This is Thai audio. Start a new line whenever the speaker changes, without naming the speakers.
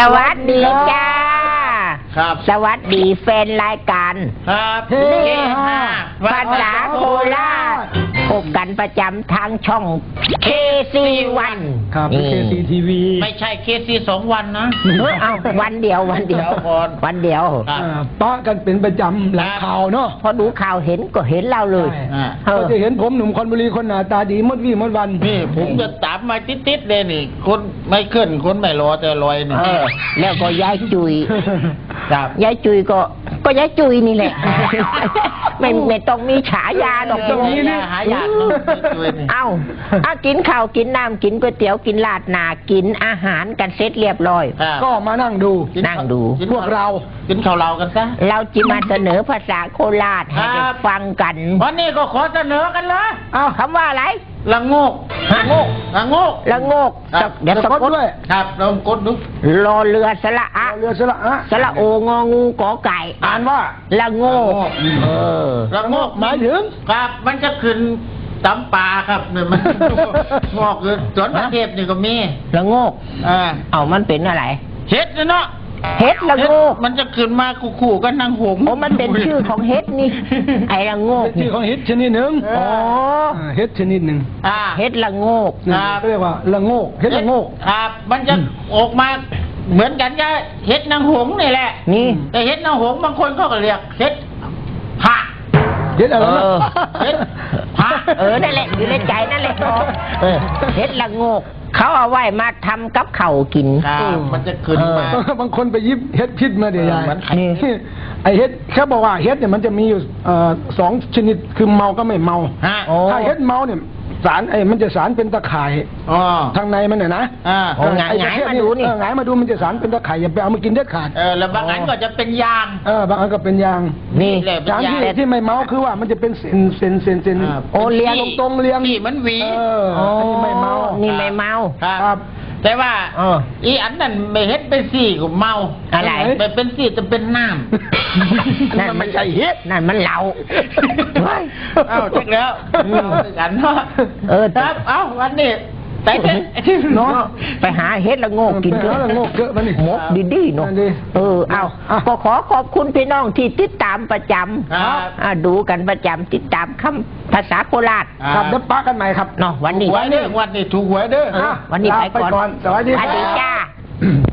วัสดีจ้า
ครับ
สวัสดีแฟนรายการ
ครับ
เฮฮาภาษาโคราชพบกันประจำทางช่อง KC1
ครับ KCTV
ไม่ใช่KC 2 วันนะ
เอาวันเดียววันเดียววันเดียว
ป้ากันเป็นประจำหลังข่าวเนาะ
พอดูข่าวเห็นก็เห็นเราเลย
ก็จะเห็นผมหนุ่มคอนบุรีคนหน้าตาดีมดวี่มดวัน
นี่ผมจะตามมาติดๆเลยนี่คนไม่ขึ้นคนไม่รอแต่ลอยนี่
แล้วก็ย้ายจุย
ครับ
ย้ายจุยก็ย้ายจุยนี่แหละไม่ต้องมีฉายาดอกตรงนี้
นะหายาก
เอากินข้าวกินน้ำกินก๋วยเตี๋ยวกินลาดหนากินอาหารกันเสร็จเรียบร้อย
ก็มานั่งดูพวกเรา
กินข้าวเรากันซะ
เราจะมาเสนอภาษาโคราชให้ได้ฟังกัน
วันนี้ก็ขอเสนอกันเลย
คำว่าอะไร
ละโงก
ละโงก
ละโงก
ละโงกเดี๋ยวสะกด
ด้วย
ครับลองกดดู
รอเรือสระอะ
เรือสระอะ
สระโององูกอไก่
อ่านว่า
ละโงก
ละโงก
หมายถึง
ครับมันจะขึ้นตำปลาครับเนี่ยมันงอกเลยสวนประเทศนี่ก็มี
ละโงกเอามันเป็นอะไร
เห็ดเนาะ
เฮ็ดละโงก
มันจะขึ้นมาคู่ๆกันนางหง
โอ้มันเป็นชื่อของเฮ็ดนี่ไอ้ละโงก
ชื่อของเฮ็ดชนิดหนึ่งเฮ็ดชนิดหนึ่ง
เฮ็ดละโงก
เรียกว่าละโงกเฮ็ดละโงก
ครับมันจะออกมาเหมือนกันกับเฮ็ดนางหงนี่แหละ
นี่
แต่เฮ็ดนางหงบางคนเขาก็เรียกเฮ็ดผัก
เฮ็ดอะไร
เฮ็ดผัก
นั่นแหละอยู่ในใจนั่นแหละเฮ็ดละโงกเขาเอาไว้มาทำกับข้าวกิน
มันจะขึ้นมา
บางคนไปยิบเฮ็ดพิษมาเดี๋ยวยายไอเฮ็ดเขาบอกว่าเฮ็ดเนี่ยมันจะมีอยู่2 ชนิดคือเมาก็ไม่เมาถ้าเฮ็ดเมาเนี่ยสารมันจะสารเป็นตะข่ายทางในมันเนี่ยนะ
หงายมาดูนี่
หงายมาดูมันจะสารเป็นตะข่ายอย่าไปเอามากินเด็ดขาด
แล้วบางอันก็จะเป็นยาง
บางอันก็เป็นยาง
นี่
ยางที่ไม่เมาคือว่ามันจะเป็นเส้น
เลี้ยง
ตรงเลี้ยง
นี่มันหวี
อันนี้ไม่เมา
นี่ไม่เมา
ครับ
แต่ว่าอีอันนั้นไม่เฮ็ดเป็นสีก็เมา
อะไร
ไปเป็นสีจะเป็นน้ำ
นั่นมันใช่เฮ็ดนั่นมันเหล้า
เช็คแล้วกันเนาะครับวันนี้
เนาะไปหาเฮ็ดละโงกกินเยอะ
ละโงกเยอะมันนี่
หมกดีๆเนาะก็ขอบคุณพี่น้องที่ติดตามประจำดูกันประจำติดตามคำภาษาโคราช
ครับเดี๋ยวปะกันใหม่ครับ
เนาะวันนี้
ถูกหวยเด้อ
วันนี้ไปก่อน
สวัสดี
จ้า